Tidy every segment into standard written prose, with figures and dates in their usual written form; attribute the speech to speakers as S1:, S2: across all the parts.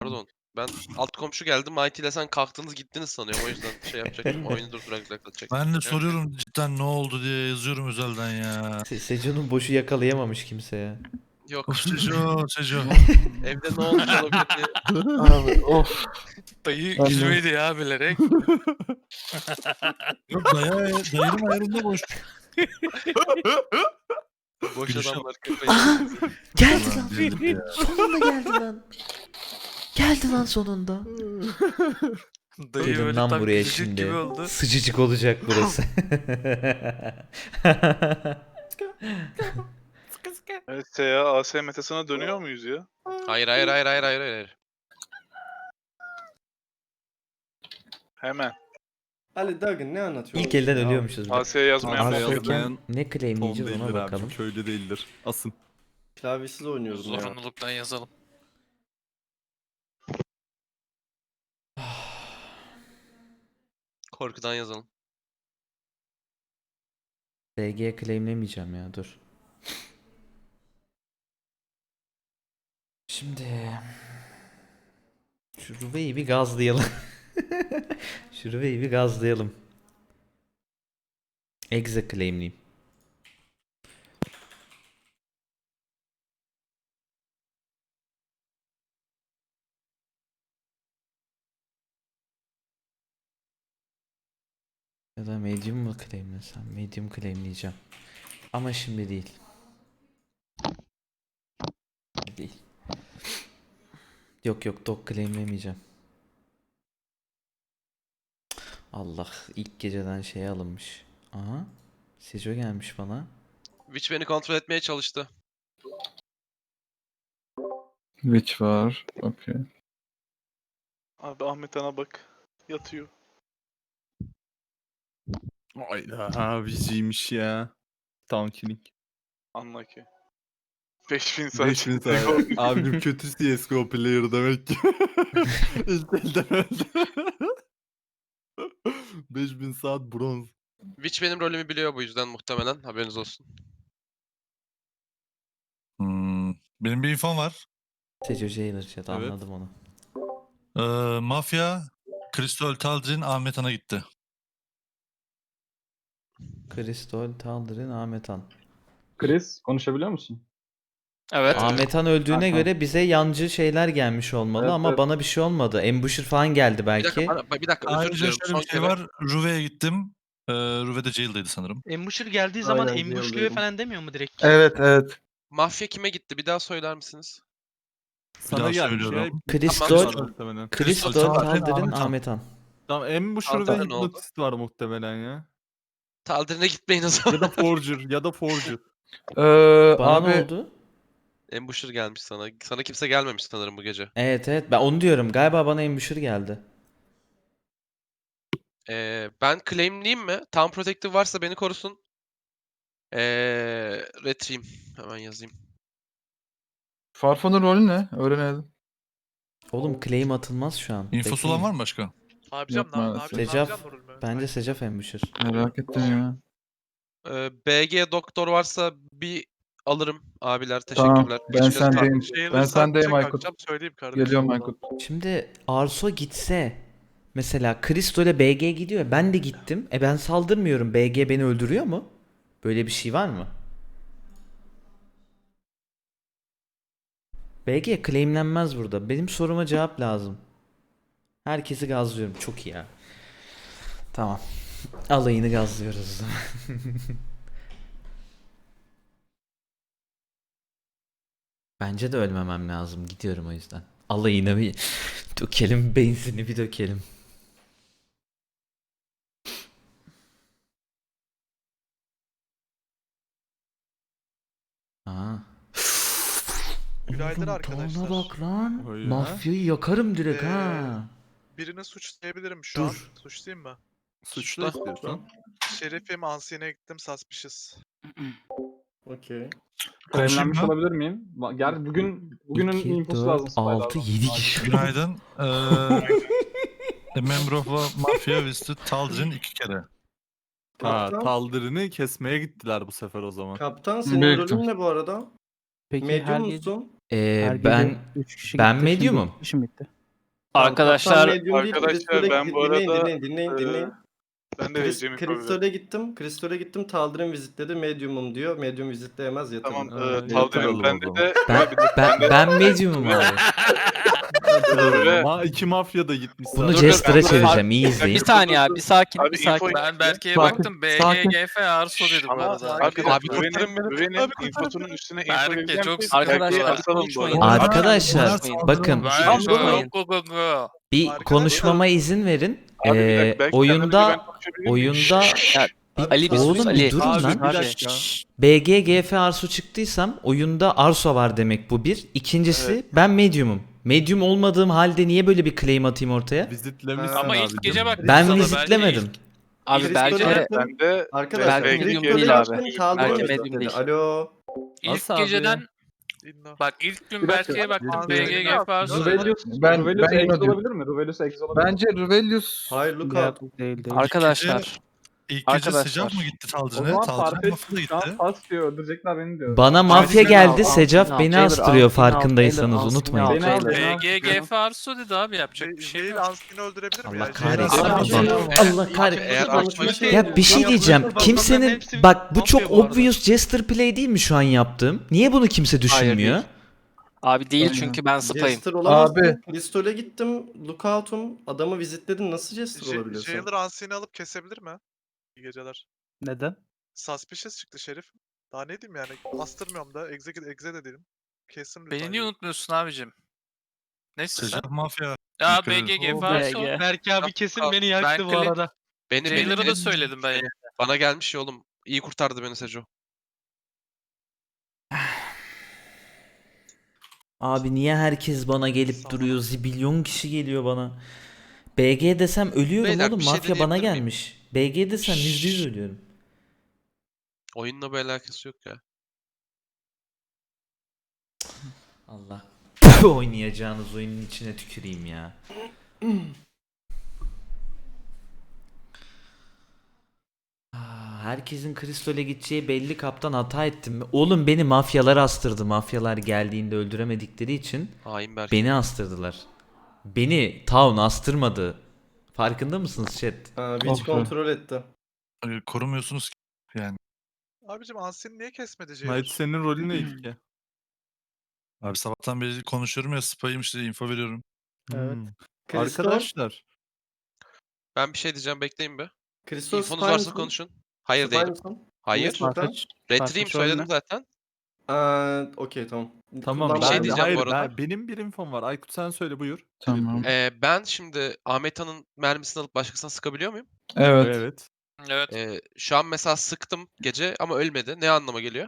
S1: Pardon. Ben alt komşu geldi. Mighty ile sen kalktınız gittiniz sanıyorum. O yüzden şey yapacaktım. Oyunu durduracaktım.
S2: Ben de soruyorum cidden ne oldu diye yazıyorum özelden ya.
S3: Seco'nun boşu yakalayamamış kimse ya.
S1: Yok.
S2: Of Seco.
S1: Evde ne olmuş olabilir diye.
S4: Abi of.
S5: Dayı
S4: Ben de.
S5: gülmedi ya bilerek.
S2: Yok dayının ayarında boş.
S1: Boş
S2: Gülüşe
S1: adamlar kafayı.
S3: Aha! Geldi
S2: Ulan
S3: lan.
S2: dedim ya.
S3: Sonunda geldi lan. Geldi lan sonunda.
S5: Dayı
S3: Gelin
S5: böyle
S3: lan
S5: tam
S3: buraya
S5: gülecek
S3: şimdi.
S5: gibi oldu.
S3: Sıcacık olacak burası.
S4: Evet SEA AS metasına dönüyor muyuz ya?
S1: Hayır.
S4: Hemen.
S6: Ali Duggan ne anlatıyor?
S3: İlk elden ölüyormuşuz. bir de.
S4: AS'ye yazmayan
S3: Abi
S4: bot.
S3: yazmayan ne
S7: Tom
S3: claimleyeceğiz ona
S7: değildir
S3: bakalım.
S7: abicim, köylü değildir. Asın.
S6: Klavyesiz oynuyordum ya.
S5: Zorunluluktan yazalım.
S1: Korkudan yazalım.
S3: DG claimlemeyeceğim ya dur. Şimdi şu Ruve'yi bir gazlayalım. Şu Ruve'yi bir gazlayalım. Exe claimleyeyim. Ya da medium mu claimlesem? Medium claimleyeceğim. Ama şimdi değil. Değil. Yok dog claimlemeyeceğim. Allah ilk geceden şey alınmış. Aha. Sejo gelmiş bana.
S1: Witch beni kontrol etmeye çalıştı.
S7: Witch var. Okey.
S4: Abi Ahmet Ana bak. Yatıyor.
S7: Hayda. Abiciymiş ya. Town killing.
S4: Anla ki. 5000 saat.
S7: 5000 saat. Abim kötü CSGO player demek ki. İlk elden öldü. 5000 saat bronz.
S1: Witch benim rolümü biliyor bu yüzden muhtemelen. Haberiniz olsun.
S2: Benim bir infom var.
S3: Sejo Jailer chat
S7: Evet.
S3: anladım onu.
S2: Mafya, Crystal Talcin, Ahmet Han'a gitti.
S3: Kristol Taldir'in Ahmet Han.
S8: Chris konuşabiliyor musun?
S5: Evet.
S3: Ahmet Han öldüğüne
S8: Hakan.
S3: göre bize yancı şeyler gelmiş olmalı
S8: Evet,
S3: ama
S8: evet.
S3: bana bir şey olmadı. Ambusher falan geldi
S1: Bir
S3: belki.
S1: dakika özür
S2: Ayrıca
S1: diliyorum.
S2: şöyle
S1: Son
S2: bir şey
S1: kere.
S2: var. Ruve'ye gittim. Ruve de jail'daydı sanırım.
S9: Embuşur geldiği zaman
S8: Aynen,
S9: embuşluyor
S8: yolluyorum.
S9: falan demiyor mu direkt?
S7: Evet.
S1: Mafya kime gitti? Bir daha söyler misiniz?
S7: Sana
S2: daha
S7: gelmiş ya.
S2: söylüyorum.
S3: Kristol,
S1: Tamam,
S7: Muhtemelen.
S3: Kristol
S2: Taldir'in
S3: Taldir'in
S2: Ahmet Han.
S3: Ahmet Han.
S7: Tamam Embusher ve
S1: Taldir'in oldu.
S7: Hypnotist var muhtemelen ya.
S1: Taldir'ine gitmeyin o zaman.
S7: Ya da Forger.
S3: Bana ne oldu?
S1: Ambusher gelmiş sana. Sana kimse gelmemiş sanırım bu gece.
S3: Evet ben onu diyorum. Galiba bana Ambusher geldi.
S1: Ben claimleyeyim mi? Town Protective varsa beni korusun. Retrieve. Hemen yazayım.
S7: Farfan'ın rolü ne? Öğrenelim.
S3: Oğlum claim atılmaz şu an.
S2: İnfosu olan var mı başka?
S8: Abi
S7: Yok maalesef.
S3: Secaf. Bence Secaf Ambusher.
S7: Merak ettim ya.
S1: BG doktor varsa bir alırım abiler.
S7: Tamam,
S1: Teşekkürler.
S7: ben
S1: Hiç göz-
S7: sendeyim. Ben sendeyim Aykut.
S4: Akşam söyleyeyim kardeşim.
S7: Geliyorum Aykut.
S3: Şimdi Arso gitse mesela Kristo ile BG gidiyor. Ben de gittim. Ben saldırmıyorum. BG beni öldürüyor mu? Böyle bir şey var mı? BG claimlenmez burada. Benim soruma cevap lazım. Herkesi gazlıyorum. Çok iyi ya. Tamam. Alayını gazlıyoruz o zaman. Bence de ölmemem lazım. Gidiyorum o yüzden. Alayını bir dökelim. Benzini bir dökelim. Aa.
S10: Günaydın
S3: Oğlum,
S10: arkadaşlar.
S3: tavana bak lan.
S7: Oy ya.
S3: Mafyayı yakarım direkt
S10: Ee,
S3: ha.
S10: Birini suçlayabilirim şu
S3: Dur.
S10: an. Suçlayayım mı?
S7: Suçlu istiyorsan.
S10: Şerif'im, Ansiye'ne gittim, Suspicious.
S6: Okey.
S8: Kremlenmiş
S2: mı?
S8: olabilir miyim? Gel bugünün
S3: 2,
S8: infosu
S3: 4,
S8: lazım. Spy'lardan.
S3: 6, 7 kişi.
S2: Günaydın. A member of a mafia visited Talcin 2 kere.
S7: Ha,
S6: Kaptan,
S7: Taldir'ini kesmeye gittiler bu sefer o zaman.
S6: kaptan senin
S7: Büyüktüm.
S6: rolün ne bu arada?
S11: Peki
S6: Medium
S11: her
S6: musun?
S3: Ben medium'um.
S5: Arkadaşlar
S4: Arkadaşlar, ben bu arada,
S6: dinleyin.
S4: Ben de vereceğim info.
S6: Kristol'e gittim. Taldir'in vizitledi. Medium'um diyor. Medium vizitleyemez yatın.
S4: Tamam,
S7: Taldir'im,
S4: Taldir'im. Bende de
S3: Ben medium'um abi.
S7: İki mafya da gitmiş.
S3: Bunu
S7: zaten.
S3: Jester'a çevireceğim. İyi izleyin.
S5: bir saniye abi, bir sakin,
S4: Abi,
S5: bir sakin.
S4: info-
S5: Ben Berke'ye
S7: Sakin,
S5: baktım.
S7: sakin.
S5: BGGF Arso dedi bu arada.
S1: Abi kurtarın beni.
S4: Güvenin infosunun üstüne info
S5: Berke,
S4: vereceğim
S5: çok
S4: ki
S5: sıkıntı
S4: Berke'yi
S5: var.
S4: asalım bu arada.
S3: Arkadaşlar bakın bir
S10: Arkadaşlar-
S3: konuşmama izin verin.
S4: Abi, bir dakika, belki
S3: Oyunda
S4: kendimi ben konuşabilir miyim?
S3: oyunda
S5: Ali,
S3: oğlum
S5: Ali.
S3: bir durun
S7: Abi,
S3: lan.
S7: bir dakika.
S3: BGGF Arso çıktıysam oyunda Arso var demek bu bir. İkincisi ben medium'um. Medium olmadığım halde niye böyle bir claim atayım ortaya?
S7: Vizitlemişsin
S5: Ama
S7: abi.
S5: ilk gece baktım
S3: Ben
S5: sana,
S3: vizitlemedim.
S5: Abi
S6: Kristol'e
S5: belki
S6: gittim.
S4: Ben de
S6: Arkadaşlar
S5: Belki
S6: Kristol'e
S5: medium değil abi.
S6: gittim, Taldir'in
S5: Belki
S6: vizitledi.
S5: medium değil.
S6: Alo.
S5: ilk
S7: Nasıl abi?
S5: geceden
S10: İnno.
S5: bak ilk gün
S8: Bir dakika.
S5: Berke'ye baktım.
S7: Bir dakika.
S5: BGGF Arso dedi.
S8: Ruvelius,
S9: Ben
S8: Ruvelius Exo
S9: diyorum.
S8: olabilir mi? Ruvelius Exo olabilir mi?
S9: Bence Ruvelius
S6: Hayır Luka.
S5: Arkadaşlar
S2: İlk gece
S5: Arkadaşlar.
S2: sıcak mı gitti
S8: O
S2: Taldir'e?
S8: zaman
S2: Taldir'e
S8: Farfetch
S2: mafya da
S8: şu an
S2: gitti.
S8: pas diyor, öldürecekler beni diyor.
S3: Bana mafya
S5: Altın
S3: geldi.
S5: al,
S3: Secaf
S5: altın
S3: beni
S5: al,
S3: astırıyor
S5: altın al,
S3: farkındaysanız
S5: altın al,
S3: unutmayın.
S8: Beni al, beni al.
S5: BGGF Arso dedi abi, yapacak bir şey
S10: Jail
S5: yok.
S10: Anskin'i öldürebilir mi
S3: Allah
S10: ya?
S3: kahretsin.
S10: Jail Anskin-
S3: Allah kahretsin.
S1: Eğer açmak
S3: Ya bir şey diyeceğim. Kimsenin bak bu çok obvious jester play değil mi şu an yaptığım? Niye bunu kimse düşünmüyor?
S5: değil. Abi değil çünkü ben spayım.
S6: Jester olamazsın.
S9: Abi.
S6: Kristol'e gittim. Lookout'um. Adamı vizitledin. Nasıl Jester olabiliyorsun?
S10: Jailer Anskin'i alıp kesebilir mi? İyi geceler.
S9: neden?
S10: Suspicious çıktı Şerif. Daha ne diyeyim yani? Astırmıyorum da. Exe de değilim. Kesin lütfen.
S5: Beni niye unutmuyorsun abicim? Neyse sen.
S2: Sıcak mafya.
S5: Ya
S2: Yukarı.
S5: BGGF Arso.
S11: Berke abi kesin beni
S5: Ben
S11: yaktı bu
S5: klip-
S11: arada.
S1: Beni
S5: Jailer'a da söyledim ben ya.
S1: bana gelmiş ya oğlum. İyi kurtardı beni Seco.
S3: Abi niye herkes bana gelip duruyor? Zibilyon kişi geliyor bana. BG desem ölüyorum
S1: Beyler,
S3: oğlum.
S1: bir şey
S3: Mafya bana
S1: deneyebilir miyim?
S3: gelmiş. BG desem %100 ölüyorum.
S1: Oyunla bir alakası yok ya.
S3: Allah. Oynayacağınız oyunun içine tüküreyim ya. Herkesin Kristol'e gideceği belli, kaptan hata ettim mi? Oğlum beni mafyalar astırdı. Mafyalar geldiğinde öldüremedikleri için
S1: Hain Berke.
S3: beni astırdılar. Beni Town astırmadı. Farkında mısınız chat?
S6: Witch kontrol etti.
S2: Korumuyorsunuz ki. Yani.
S10: Abicim Anskin'i niye kesmedi Jailer?
S7: Knight senin rolün ne ilk ya?
S2: Abi sabahtan beri konuşuyorum ya, spayım işte, info veriyorum.
S6: Evet.
S7: Hmm.
S6: Kristol.
S7: Arkadaşlar.
S1: Ben bir şey diyeceğim, bekleyin be.
S6: Kristol
S1: İnfonuz
S6: spy
S1: varsa
S6: mısın?
S1: konuşun. Hayır
S6: Spy
S1: değilim.
S6: mısın?
S1: Hayır.
S6: Neyse, Luka?
S1: Retrieve söyledim zaten.
S6: Okey tamam.
S7: Tamam.
S1: Bir şey
S7: ben-
S1: diyeceğim
S7: hayır,
S1: bu arada.
S7: benim bir infom var. Aykut sen söyle buyur.
S9: Tamam.
S1: Ben şimdi Ahmet Han'ın mermisini alıp başkasına sıkabiliyor muyum?
S9: Evet.
S7: Evet.
S5: Evet.
S1: Şu an mesela sıktım gece ama ölmedi. Ne anlama geliyor?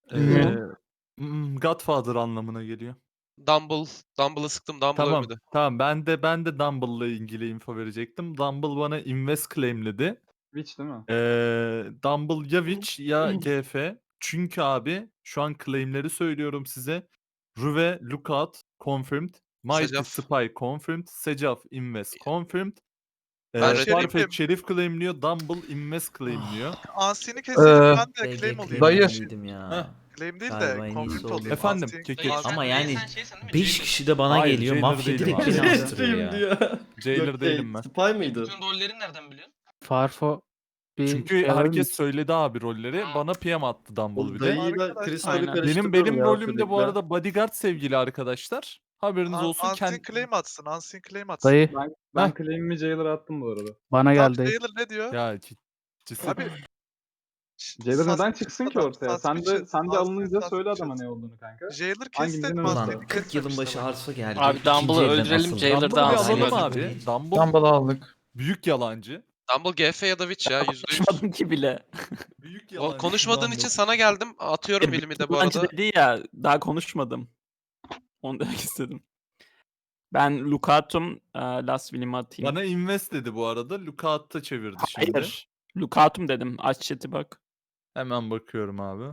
S7: Godfather anlamına geliyor.
S1: Dumble'ı sıktım. Dumble
S7: Tamam.
S1: ölmedi.
S7: Tamam. Ben de Dumble'la ilgili info verecektim. Dumble bana invest claimledi.
S8: Witch değil mi?
S7: Dumble ya Witch ya GF. Çünkü abi şu an claimleri söylüyorum size. Ruve Lookout confirmed. Mighty
S1: Secaf.
S7: Spy confirmed. Secaf invest confirmed.
S1: Ben
S7: Farfetch
S10: Şerif'im.
S7: Şerif claimliyor. Dumble invest claimliyor.
S10: Anskin'i keselim ben de
S3: BG
S10: claim olayım.
S9: Dayı.
S3: claim'iydim ya.
S7: Heh.
S10: Claim değil
S3: Galiba en
S10: de
S3: iyisi
S10: confirm
S3: oldu.
S10: olayım.
S7: Efendim,
S10: Anskin-
S7: keki.
S10: Anskin-
S3: Ama yani 5 kişi de bana
S7: Hayır,
S3: geliyor.
S7: Jailer
S3: Mafya
S7: değilim
S3: direkt
S7: abi.
S3: beni astırıyor ya.
S6: diyor.
S7: Jailer
S6: Yok,
S7: değilim ben.
S6: Spy mıydı?
S11: rolleri nereden biliyorsun?
S9: Farfo bir
S7: Çünkü herkes söyledi abi rolleri. Bana PM attı Dumble
S6: O
S7: bir de.
S6: dayıyla
S10: Arkadaşlar,
S6: Kristol'ü
S5: aynen.
S6: karıştırıyorum
S7: Benim
S6: ya
S7: rolüm de bu
S6: sürekli.
S7: arada bodyguard sevgili arkadaşlar. Haberiniz olsun.
S10: Anskin claim atsın. Anskin claim atsın.
S9: dayı
S8: Ben
S7: Heh.
S8: claim'imi Jailer'a attım bu arada.
S9: bana
S10: Tamam,
S9: geldi.
S10: Jailer ne diyor?
S7: Ya cisim.
S10: Abi
S8: Jailer neden
S10: suspicious
S8: çıksın ki
S10: adam,
S8: ortaya? Sen de
S10: suspicious,
S8: alınınca söyle
S10: suspicious.
S8: adama ne olduğunu kanka.
S10: Jailer
S8: Hangimizin
S10: kestik
S8: önünde?
S3: Ulan
S10: Anskin'i
S3: 40 yılın başı
S10: kesmemişler.
S3: Arso geldi.
S5: Abi
S3: İkinci
S5: Dumble'ı
S3: elden
S5: öldürelim,
S3: asıldı.
S5: Jailer
S7: Dumble'ı
S5: da
S7: bir
S5: alsın.
S7: alalım
S5: Jailer
S7: abi. Dumble
S9: Dumble'ı aldık.
S7: büyük yalancı.
S1: Dumble GF ya da Witch ya %100.
S5: Konuşmadım ki bile.
S7: Büyük
S1: O
S7: yalancı.
S1: konuşmadığın
S7: Dumble.
S1: için sana geldim. Atıyorum elimi de bu
S5: Yalancı
S1: arada.
S5: dedi ya, daha konuşmadım. Onu demek istedim. Ben Lookout'um, Last Will'imi atayım.
S7: Bana invest dedi bu arada. Lookout'ta çevirdi şimdi.
S5: Hayır. Lookout'um dedim. Aç chat'i bak.
S7: Hemen bakıyorum abi.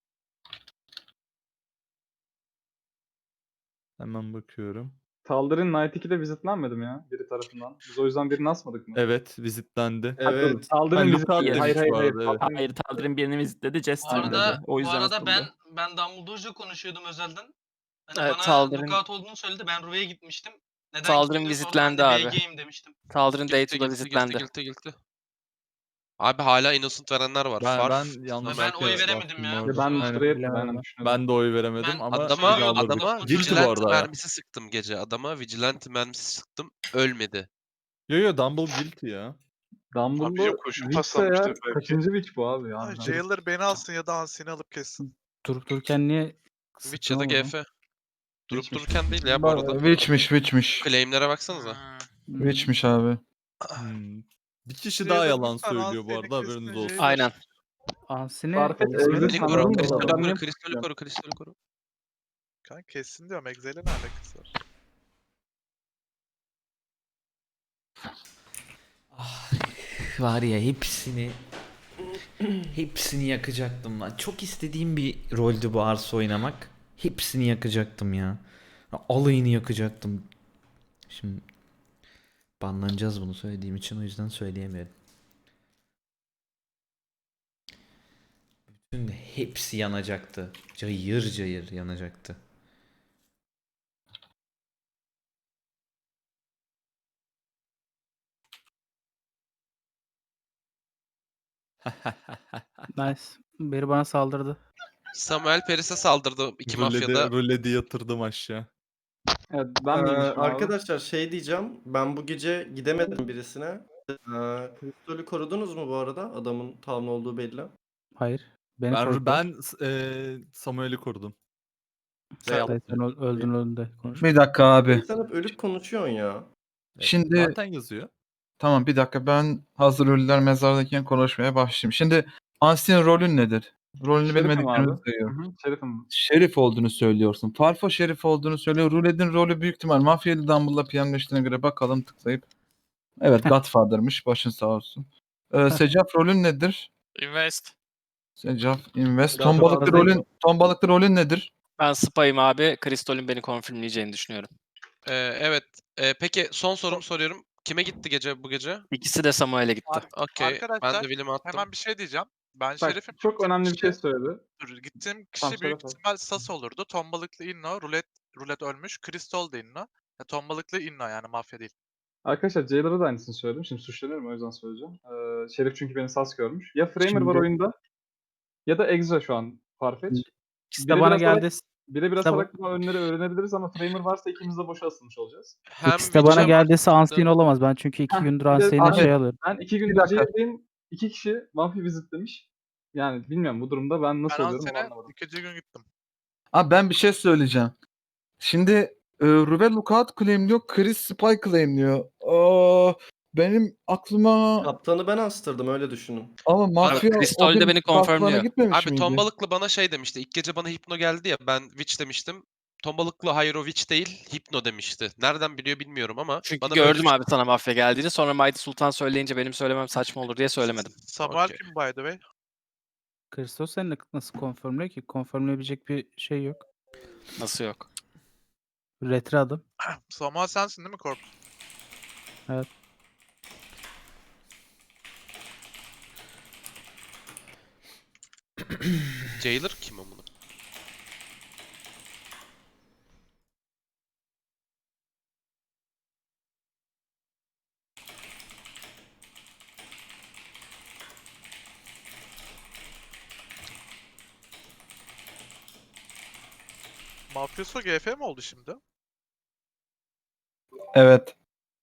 S7: Hemen bakıyorum.
S8: Taldir'in Night 2'de vizitlenmedim ya biri tarafından. Biz o yüzden birini asmadık mı?
S7: Evet, vizitlendi.
S6: Evet.
S8: Taldir'in
S7: Ben
S8: vizit
S7: Lookout
S8: değil.
S7: demiş
S8: Hayır hayır
S7: bu
S8: hayır.
S7: arada, evet.
S8: Taldir'in-
S5: Hayır, Taldir'in birini vizitledi, Jester'ın dedi. O yüzden asıldı.
S11: ben Dumbledore'ca konuşuyordum özelden. Hani
S5: Evet,
S11: bana
S5: Taldir'in-
S11: lookout olduğunu söyledi. Ben Ruve'ye gitmiştim. Neden
S5: Taldir'in
S11: gitmedin? Sonra
S5: vizitlendi
S11: ben de
S5: abi.
S11: BG'yim demiştim.
S5: Taldir'in
S1: Gilti,
S5: Dayto'da
S1: gilti,
S5: vizitlendi.
S1: gilti. Abi hala innocent verenler var.
S7: Ben
S1: Farf.
S7: yanlış
S11: Ben
S7: belki
S11: oy veremedim
S7: baktım
S11: ya.
S7: orada.
S8: Ya ben
S11: Aynen.
S8: Straight
S9: Bilemedim.
S8: aynen düşünüyorum.
S7: Ben de oy veremedim
S11: Ben
S7: ama
S1: Adama
S7: silahları-
S11: Guilty bu
S1: vigilante
S7: arada ya.
S1: mermisi sıktım gece. Adama vigilante mermisi sıktım. Ölmedi.
S7: Yo Dumble guilty ya.
S4: Abi
S8: Dumbledore
S4: yok, kurşun
S8: Witch'se
S4: paslanmıştır
S8: eğer
S4: belki.
S8: kaçıncı Witch bu abi ya?
S10: Ay, Jailer beni alsın ya da Ansi'ni alıp kessin.
S9: Durup dururken niye
S1: Witch ya da
S9: sıktın oğlum?
S1: GF. Durup
S8: Witch'miş.
S1: dururken değil ya bu arada.
S9: Witch'miş.
S1: Claim'lere baksanıza.
S9: Witch'miş abi.
S7: Bir kişi
S10: Jailer
S7: daha yalan
S10: lütfen
S7: söylüyor bu
S10: Ansi'ni
S7: arada haberiniz
S10: kessin,
S7: olsun.
S10: Jailer.
S5: Aynen.
S9: Ansine
S8: Farfetch
S9: ismi-
S8: Exit
S1: Beni
S8: sanırım
S1: koru,
S8: da
S1: kristali
S8: var.
S1: koru, kristali koru, kristali koru.
S10: Kanka kessin diyorum. Exe'yle ne alakası var?
S3: Var ya hepsini yakacaktım lan. Çok istediğim bir roldü bu Arsa oynamak. Hepsini yakacaktım ya. Alayını yakacaktım. Şimdi banlanacağız bunu söylediğim için, o yüzden söyleyemiyorum. Bütün hepsi yanacaktı. Cayır cayır yanacaktı.
S9: Nice. Biri bana saldırdı.
S1: Samuel Paris'e saldırdı iki mafyada.
S7: Ruledi yatırdım aşağı.
S8: Evet ben miymişim abi?
S6: Arkadaşlar şey diyeceğim. Ben bu gece gidemedim birisine. Kristol'ü korudunuz mu bu arada? Adamın town olduğu belli.
S9: Hayır. Beni korktu.
S7: Ben Samuel'i korudum.
S9: Sen öldün de konuş.
S12: Bir dakika abi.
S6: Sen hep ölüp konuşuyorsun ya.
S12: Şimdi
S7: Zaten yazıyor.
S12: tamam bir dakika, ben hazır ölüler mezardayken konuşmaya başlayayım. Şimdi Ansi'nin rolün nedir? Rolünü
S8: Şerifim
S12: bilmediklerimizi
S8: abi.
S12: sayıyorum.
S8: Hı hı, Şerifim.
S12: Şerif olduğunu söylüyorsun. Farfo şerif olduğunu söylüyor. Ruled'in rolü büyük ihtimal Mafyalı Dumble'la piyanleştiğine göre bakalım tıklayıp. Evet Godfather'mış. Başın sağ olsun. Secaf rolün nedir?
S5: Invest.
S12: Secaf Invest.
S6: Godfather
S12: Ton balıklı rolün nedir?
S5: Ben spy'ım abi. Kristol'ün beni konfirmleyeceğini düşünüyorum.
S1: Evet. Peki son sorumu soruyorum. Kime gitti gece bu gece?
S5: İkisi de Samuel'e gitti.
S1: Okey. Ben
S10: Arkadaşlar,
S1: de William'e attım.
S10: Hemen bir şey diyeceğim. Ben
S8: Bak
S10: Şerif'im.
S8: çok önemli bir şey
S10: Kişi-
S8: söyledi.
S10: Dur, gittiğim kişi
S8: Tamam,
S10: büyük
S8: söyle, söyle.
S10: ihtimal Sas olurdu. Ton balıklı Inno, Rulet ölmüş. Kristol da Inno. Ya, ton balıklı Inno yani mafya değil.
S8: Arkadaşlar Jailer'a da aynısını söyledim. Şimdi suçlanıyorum o yüzden söyleyeceğim. Şerif çünkü beni sas görmüş. Ya Framer var
S9: Şimdi-
S8: oyunda ya da Exa şu an Farfetch.
S9: İkisi
S8: Biri
S9: de bana
S8: biraz daha-
S9: geldi.
S8: Bire biraz
S9: Tabii.
S8: alarak önleri öğrenebiliriz ama Framer varsa ikimiz de boşa asılmış olacağız.
S1: Hem
S9: İkisi de bana
S1: Witch'e
S9: geldiyse
S1: baktı.
S9: Ansine olamaz. Ben çünkü 2 gündür
S8: bir de
S9: Ansine'e
S8: Ahmet-
S9: şey alıyorum.
S8: Ben 2
S12: Bir
S8: gündür
S12: dakika.
S8: Jailer'deyim. 2 kişi Mafya vizitlemiş. Yani bilmiyorum bu durumda ben nasıl
S10: Ben
S8: oluyorum onu
S10: Ansi'ne
S8: anlamadım.
S10: ikinci gün gittim.
S12: Abi ben bir şey söyleyeceğim. Şimdi Ruve Lookout claimliyor. Chris Spy claimliyor. Benim aklıma
S6: Kaptanı ben astırdım, öyle düşünün.
S12: ama mafya
S5: Crystal
S12: o
S5: de
S12: gün
S5: beni
S12: Kaplan'a
S5: confirmliyor.
S12: gitmemiş
S1: Abi
S12: miydi?
S1: ton balıklı bana şey demişti. İlk gece bana Hipno geldi ya. Ben Witch demiştim. Ton balıklı hayır o Witch değil. Hipno demişti. Nereden biliyor bilmiyorum ama.
S5: Çünkü
S1: bana böyle
S5: gördüm
S1: bir-
S5: abi sana mafya geldiğini. Sonra Mighty Sultan söyleyince benim söylemem saçma olur diye söylemedim.
S10: Samuel
S1: Okey.
S10: kim by the way?
S9: Kristos seninle nasıl konfirmliyor ki? Konfirmleyebilecek bir şey yok.
S5: Nasıl yok?
S9: Retri adım.
S10: Samuel sensin değil mi Kork?
S9: Evet.
S1: Jailer kim o bunu?
S10: Mafyoso GF mi oldu şimdi?
S12: Evet.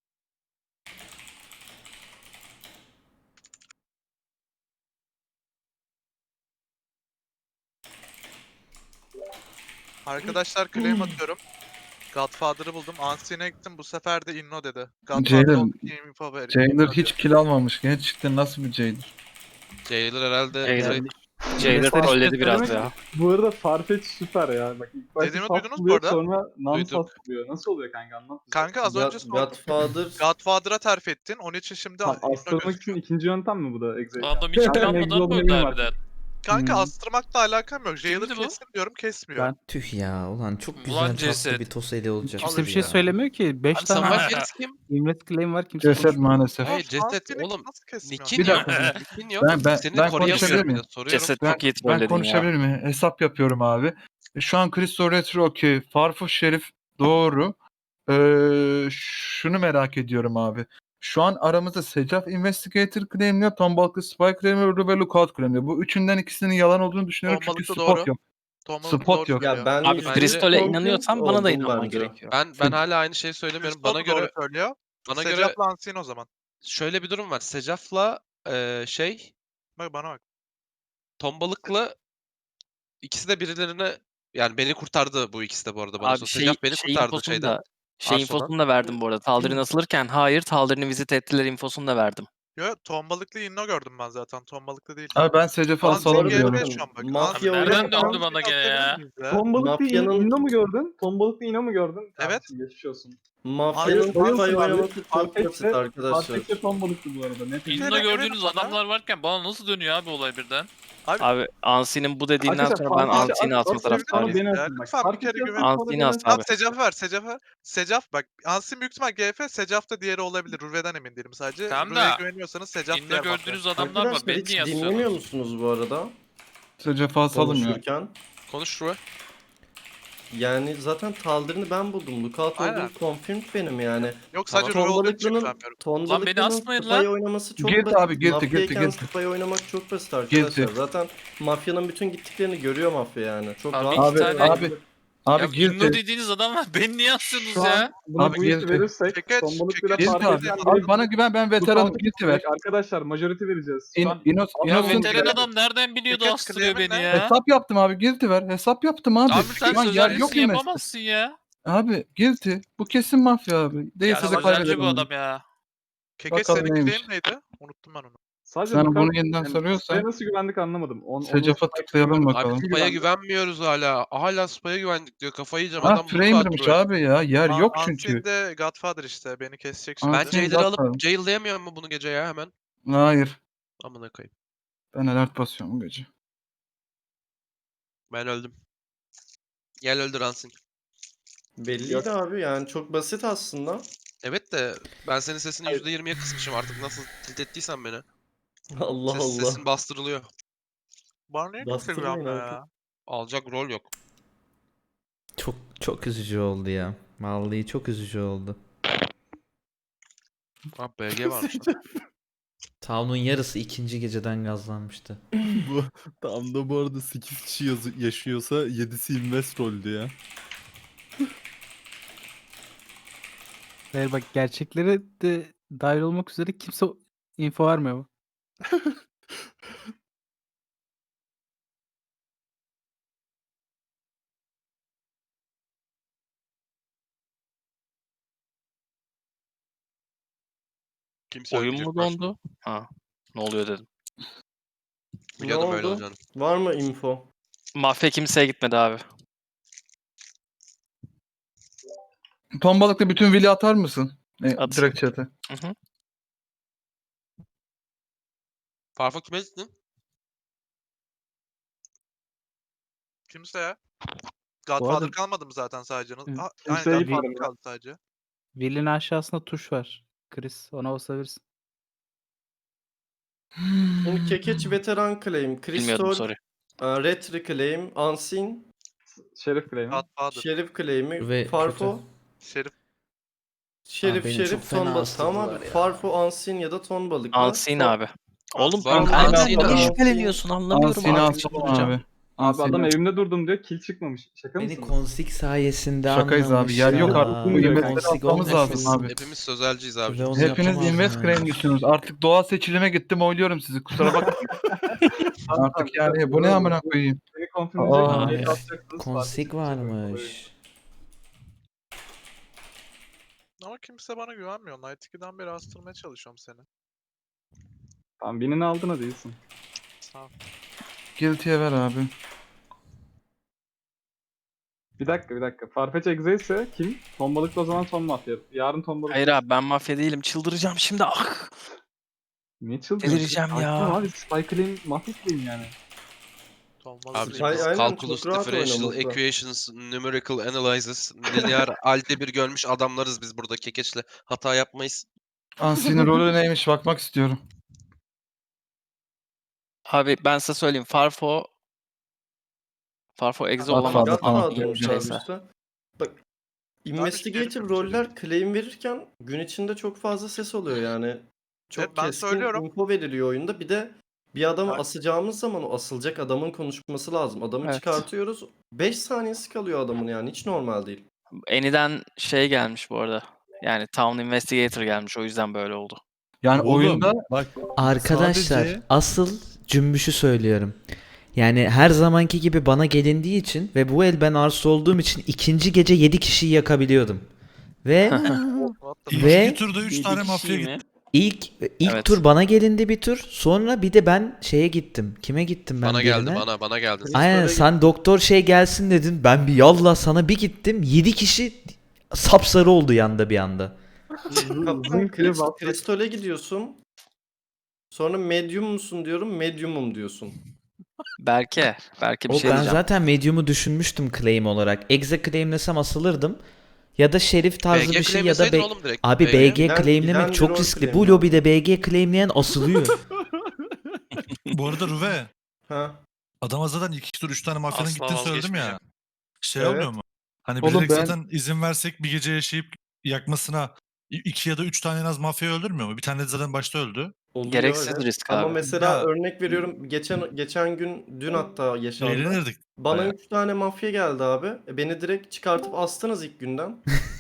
S10: Arkadaşlar claim atıyorum. Godfather'ı buldum. Ansi'ne gittim. Bu sefer de Inno dedi.
S12: Jailer-
S10: Godfather oldu ki info ver.
S12: Jailer hiç kill almamış. Gerçekten nasıl bir Jailer?
S1: Jailer herhalde
S5: Jailer.
S1: direkt-
S5: Jailer
S8: Mesela
S5: trolledi
S8: işte
S5: biraz
S8: söylemek-
S5: ya.
S8: Bu arada Farfetch süper ya. Bak ilk başta
S10: Dediğimi
S8: sas
S10: duydunuz bu
S8: buluyor,
S10: arada.
S8: sonra non-sas
S1: Duyduk.
S8: buluyor. Nasıl oluyor kanka anlat bize.
S10: Kanka az önce sordum.
S6: Godfather
S10: Godfather'a terf ettin. Onun için şimdi
S8: Tamam,
S10: Inno
S8: astırmak için
S10: gözüküyor.
S8: ikinci yöntem mi bu da Exe'ye?
S11: Adam
S8: hiç planlamadan böyle harbiden.
S10: Kanka
S9: Hmm.
S10: astırmakla alakam yok. Jailer
S11: Kimdi bu?
S10: kesin diyorum kesmiyor.
S9: Ben-
S3: Tüh ya, ulan çok
S11: Ulan
S3: güzel tatlı
S11: ceset.
S3: bir toseli olacak.
S9: Kimse bir şey söylemiyor ki. 5
S1: Abi
S9: tane
S1: Samuel Paris kim?
S9: Imret claim var, kimse
S12: Ceset
S9: konuşmuyor.
S12: maalesef.
S1: Hayır ceset
S10: Ansi'ni
S1: oğlum.
S10: nasıl kesmiyor?
S1: Nick'in
S12: Bir
S1: yok.
S12: dakika.
S1: Nick'in yok.
S12: Ben
S1: Seni
S12: konuşabilir
S1: koruyamıyorum bir
S12: miyim?
S1: de. Soruyorum.
S5: Ceset
S12: Ben-
S5: çok iyi
S12: Ben
S5: trolledin ya.
S12: konuşabilir miyim? Hesap yapıyorum abi. Şu an Cristo Retro okey. Farfo Şerif doğru. Şunu merak ediyorum abi. Şu an aramızda Secaf Investigator claimliyor, Tombalklı Spy claimliyor, Ruve Lookout claimliyor. Bu üçünden ikisinin yalan olduğunu düşünüyorum çünkü
S10: Tombalıklı
S12: spot
S10: doğru.
S12: yok.
S10: Tombalıklı
S12: Spot
S10: doğru
S12: yok.
S10: söylüyor.
S6: Ya ben
S1: Abi,
S6: %100
S1: Crystal'e
S6: confident
S5: inanıyorsan bana da
S6: oldum
S5: inanman
S6: bence.
S5: gerekiyor.
S1: Ben hala aynı şeyi söylemiyorum.
S10: Crystal
S1: Bana
S10: da doğru
S1: göre
S10: söylüyor.
S1: bana göre
S10: Secaf'la Ansin o zaman.
S1: şöyle bir durum var. Secaf'la
S10: Bak bana bak.
S1: Tombalık'la ikisi de birilerine yani beni kurtardı bu ikisi de bu arada bana
S11: Abi
S1: sor.
S11: şey,
S1: Secaf beni
S11: şey
S1: kurtardı
S11: infosunu
S1: şeyden.
S11: da şey
S1: Arso'dan.
S11: infosunu da verdim bu arada. Taldir'in asılırken hayır, Taldir'ini vizit ettiler infosunu da verdim.
S10: Yo, tombalıklı inno gördüm ben zaten. Tombalıklı değil.
S12: Abi ben Secaf'ı
S10: Ansin
S12: asalım
S6: arada
S12: diyorum.
S10: GF şu an bak.
S6: Mafya
S10: Ansin-
S6: nereden
S10: Ansin
S6: döndü
S11: bana gene ya?
S10: atabilir miyiz ya?
S8: Tombalıklı
S6: Mafyanın-
S8: inno mu gördün? Tombalıklı inno mu gördün?
S10: Evet.
S8: Kardeşim, geçmiş olsun.
S6: Mafyanın
S10: Abi,
S6: spy
S10: Ansin abi,
S6: oynaması çok basit arkadaşlar.
S8: Farfetch'e tombalıklı bu arada. Net
S10: İnno
S8: eminim.
S10: gördüğünüz adamlar
S11: varken bana nasıl dönüyor abi olay birden?
S5: Abi Ansi'nin bu dediğinden
S8: Arkadaşlar,
S5: sonra ben
S8: Farfetch'e
S5: Ansi'ni
S8: at,
S5: asma
S8: at, sonra
S5: taraftarıyım.
S8: beni
S10: Ya,
S8: atın bak.
S10: lütfen bir kere
S8: Farfetch'e
S10: güven.
S8: at, sonra
S5: Ansi'ni
S8: beni
S5: as
S8: atın.
S10: Tamam
S5: abi.
S10: Secaf var. Secaf bak. Ansin büyük ihtimal GF. Secaf da diğeri olabilir. Ruve'den emin değilim sadece.
S11: Tamam
S10: Ruve'ye
S11: da,
S10: güveniyorsanız Secaf
S11: İnno
S10: diğer
S11: gördüğünüz
S10: mafya.
S11: adamlar var.
S6: Arkadaşlar
S11: Beni
S6: hiç
S11: niye
S6: dinlemiyor
S11: asıyorsunuz?
S6: musunuz bu arada
S12: Secaf'ı asalım ya.
S6: konuşurken?
S1: Konuş Ruve.
S6: Yani zaten Taldir'ini ben buldum. Lookout
S10: Aynen.
S6: olduğunu confirmed benim yani.
S10: Yok sadece Ruve olduğu için güvenmiyorum.
S6: Tombalıklı'nın
S11: asmayın
S6: spy
S11: lan.
S6: oynaması çok
S12: Guilty
S6: basit.
S12: abi, guilty,
S6: Mafyayken
S12: guilty.
S6: spy oynamak çok basit arkadaşlar.
S12: Guilty.
S6: Zaten mafyanın bütün gittiklerini görüyor mafya yani. Çok
S11: Abi,
S6: rahat.
S11: iki
S12: Abi
S11: tane-
S12: abi guilty.
S11: dediğiniz adam var. Beni niye asıyorsunuz
S8: Şu an buna
S12: Abi,
S8: bu ilki
S12: guilty.
S8: verirsek
S10: Çekeç,
S8: tombalıklıyla
S10: çekeç.
S12: Guilty
S8: Farfetch'e
S12: abi. Abi bana güven, ben veteranım. Guilty ver.
S8: Arkadaşlar majority vereceğiz. Şu an
S12: Innocent
S11: adam nereden biliyordu
S10: Peki,
S11: astırıyor
S10: claim'in
S11: beni
S10: ne?
S11: ya?
S12: hesap yaptım abi, guilty ver. Hesap yaptım abi.
S11: Abi sen
S12: Şu an yer
S11: sözelcisi
S12: yok mu
S11: yapamazsın ya.
S12: Abi guilty. Bu kesin mafya abi. Değilse de
S11: Sözelci
S12: kaybederim.
S11: bu
S12: onu.
S11: adam ya.
S10: Kekeç
S12: Bakalım
S10: senin
S12: neymiş.
S10: claim neydi? Unuttum ben onu.
S8: sadece
S12: Sen
S8: Lookout-
S12: bunu yeniden soruyorsan-
S8: Spy'e nasıl güvendik anlamadım.
S12: Secaf'a tıklayalım bakalım.
S1: Abi Spy'a güvenmiyoruz hala. Hala Spy'a güvendik diyor. Kafayı yiyeceğim.
S12: Ha
S1: Adam
S12: framer'mış
S1: Ruve.
S12: abi ya. Yer yok çünkü.
S10: Ansin de Godfather işte. Beni kesecek şimdi.
S1: Ben
S12: Ansin
S1: Jailer'ı
S12: Godfather.
S1: alıp jail'layamıyor mu bunu gece ya hemen?
S12: Hayır.
S1: Amına koyayım.
S12: Ben alert basıyorum bu gece.
S1: Ben öldüm. Gel öldür Ansin.
S6: Belliydi abi yani çok basit aslında.
S1: Evet de ben senin sesini %20'ye kısmışım artık nasıl tilt ettiysen beni.
S6: Allah Allah.
S1: Sesin bastırılıyor.
S10: Bana niye kimse
S6: Bastırmayın
S10: güvenmiyor
S6: abi.
S10: ya?
S1: Alacak rol yok.
S3: Çok üzücü oldu ya. Vallahi çok üzücü oldu.
S1: Ha BG varmış lan.
S3: Town'un yarısı ikinci geceden gazlanmıştı.
S7: Bu tam da bu arada 8 kişi yaşıyorsa 7'si invest roldü ya.
S9: Hayır bak, gerçeklere de dahil olmak üzere kimse info vermiyor mu?
S1: Kimse
S11: Oyun
S1: ölmeyecek
S11: mu
S1: karşımda.
S11: dondu? Ha. Ne oluyor dedim.
S1: Biliyordum
S6: Ne
S1: öyle
S6: oldu?
S1: olacağını.
S6: Var mı info?
S11: Mafya kimseye gitmedi abi.
S12: Tombalıkta bütün vili atar mısın?
S11: At.
S12: Direkt chat'e.
S11: Hı hı.
S1: Farfo kime gittin?
S10: Kimse ya. Godfather
S9: arada-
S10: kalmadı mı zaten sadece?
S9: Hı.
S10: Aynen
S8: Kimseye
S10: Godfather
S8: gitmedim ya.
S10: kaldı sadece.
S9: Will'in aşağısında tuş var. Chris, ona basabilirsin.
S6: Şimdi Kekeç veteran claim,
S11: Bilmiyordum,
S6: Crystal,
S11: sorry.
S6: Retri claim, Ansin,
S8: Şerif claim'i.
S10: Godfather.
S6: Şerif claim'i,
S3: Ve
S6: Farfo,
S10: Şerif.
S6: Şerif,
S3: beni çok
S6: Şerif,
S3: fena
S6: ton balık.
S3: astırdılar
S6: Tamam abi.
S3: ya.
S6: Farfo, Ansin ya da ton balık.
S11: Ansin abi. Oğlum
S1: Var mı?
S11: kanka
S1: Ansin'i
S11: niye
S6: al.
S11: şüpheleniyorsun anlamıyorum
S12: Ansin'i
S11: artık
S12: asalım
S11: çıldıracağım.
S12: abi.
S8: Abi adam
S12: Ansin'i-
S8: evimde durdum diyor. Kill çıkmamış. Şaka
S3: Beni
S8: mısın?
S3: Konsik sayesinde
S12: Şakayız abi,
S3: anlamış
S12: yer yok
S3: ya.
S12: artık, bu
S8: investleri
S3: Konsik
S12: atmamız lazım
S3: olmasın.
S12: abi.
S1: Hepimiz sözelciyiz abi.
S3: Ve onu
S12: Hepiniz
S3: yapamazdım
S12: invest
S3: yani.
S12: claim'liyorsunuz. Artık doğal seçilime gittim, oyluyorum sizi. Kusura bakmayın. Artık yani bu ne amına koyayım.
S8: Beni confirm edecek.
S12: Aa.
S8: Beni
S3: Ay,
S8: atacaksınız.
S3: Konsik
S8: Farfetch'e
S3: varmış.
S10: Ama kimse bana güvenmiyor. Night 2'den beri astırmaya çalışıyorum seni.
S8: Tamam, birini aldın hadi iyisin.
S10: Sağ ol.
S12: Guilty'ye ver abi.
S8: Bir dakika. Farfetch exe ise kim? Tombalıklı o zaman ton mafya. Yarın tombalıklı.
S11: Hayır abi ben mafya değilim. Çıldıracağım şimdi. Ah.
S8: Niye çıldırıyorsun?
S11: Delireceğim
S8: Sakin
S11: ya.
S8: ol Abi Spy claim mafya claim yani.
S10: Tombalı
S1: Abi
S10: Sleep.
S1: biz
S6: aynen,
S1: calculus,
S6: çok rahat
S1: differential
S6: oynaması.
S1: equations, numerical analysis, linear algebra görmüş adamlarız biz burada kekeçle. Hata yapmayız.
S12: Ansin'in rolü neymiş bakmak istiyorum.
S11: Abi ben size söyleyeyim. Farfo Farfo Exe
S12: Godfather
S11: olamaz.
S12: falan.
S6: Godfather'mış abi
S11: Neyse.
S6: işte. Bak Investigator
S10: Şerif
S6: roller claim verirken gün içinde çok fazla ses oluyor yani. Çok
S10: Evet, ben
S6: keskin
S10: söylüyorum.
S6: info veriliyor oyunda. Bir de bir adamı
S10: Bak-
S6: asacağımız zaman o asılacak adamın konuşması lazım. Adamı
S11: Evet.
S6: çıkartıyoruz. 5 saniyesi kalıyor adamın yani. Hiç normal değil.
S11: Eni'den şey gelmiş bu arada. Yani Town Investigator gelmiş, o yüzden böyle oldu.
S12: Yani
S7: Oğlum,
S12: oyunda
S7: bak
S3: Arkadaşlar
S7: sadece-
S3: asıl cümbüşü söylüyorum. Yani her zamanki gibi bana gelindiği için ve bu el ben Arsu olduğum için ikinci gece 7 kişiyi yakabiliyordum. Ve
S10: What the
S2: İlk
S3: Ve-
S2: iki turda 3 tane mafya gitti.
S3: ilk
S11: Evet.
S3: tur bana gelindi bir tur. Sonra bir de ben şeye gittim. Kime gittim ben
S1: Bana geldi,
S3: birine?
S1: bana geldi.
S3: Aynen
S6: Böyle
S3: sen doktor şey gelsin dedin. Ben bir yallah sana bir gittim. 7 kişi sapsarı oldu yanda bir anda.
S6: Kaptan
S9: klip attık.
S6: Kristol'e gidiyorsun. Sonra medium musun diyorum. Medium'um diyorsun.
S11: Belki bir şey
S3: Ben
S11: diyeceğim.
S3: zaten medium'u düşünmüştüm claim olarak. Exe claimlesem asılırdım. Ya da şerif tarzı
S1: BG
S3: bir şey ya da
S1: claimleseydin oğlum direkt.
S3: Abi BG
S6: Giden
S3: claimlemek
S6: bir
S3: çok
S6: rol
S3: riskli.
S6: claim
S3: Bu
S6: ya.
S3: lobide BG claimleyen asılıyor.
S2: Bu arada Ruve,
S6: Ha.
S2: adama zaten 2 tur 3 tane mafyanın
S1: Asla
S2: gittiğini söyledim ya.
S1: vazgeçmeyeceğim.
S2: Şey
S6: Evet.
S2: olmuyor mu? Hani
S9: Oğlum
S2: bilerek
S9: ben-
S2: zaten izin versek bir gece yaşayıp yakmasına 2 ya da 3 tane en az mafya öldürmüyor mu? Bir tane de zaten başta öldü.
S6: Oluyor,
S11: Gereksiz
S6: evet.
S11: risk
S6: Ama
S11: abi.
S6: mesela
S2: Ya-
S6: örnek veriyorum. Geçen gün dün hatta yaşandı.
S2: Eğlenirdik.
S6: Bana
S2: bayağı.
S6: 3 tane mafya geldi abi. Beni direkt çıkartıp astınız ilk günden.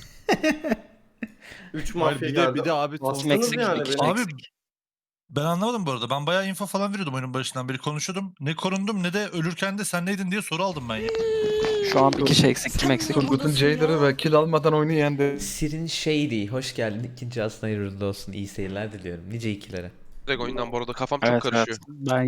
S6: 3
S7: Hayır,
S6: mafya
S7: bir de
S6: geldi.
S7: bir de abi
S6: Astınız
S11: Meksik,
S6: yani
S11: iki
S6: beni.
S2: Abi
S11: Meksik.
S2: ben anlamadım bu arada. Ben bayağı info falan veriyordum oyunun başından beri konuşuyordum. Ne korundum ne de ölürken de sen neydin diye soru aldım ben ya.
S11: Şu an bir kişi eksik. Kim eksik?
S12: Turgut'un Jailer'ı ve kill almadan oyunu yendi.
S3: Sirin Shady. Hoş geldin. İkinci aslında hayırlı olsun. İyi seyirler diliyorum. Nice ikilere.
S1: Direkt oyundan bu arada kafam
S11: Evet,
S1: çok
S11: evet.
S1: karışıyor.
S9: Ben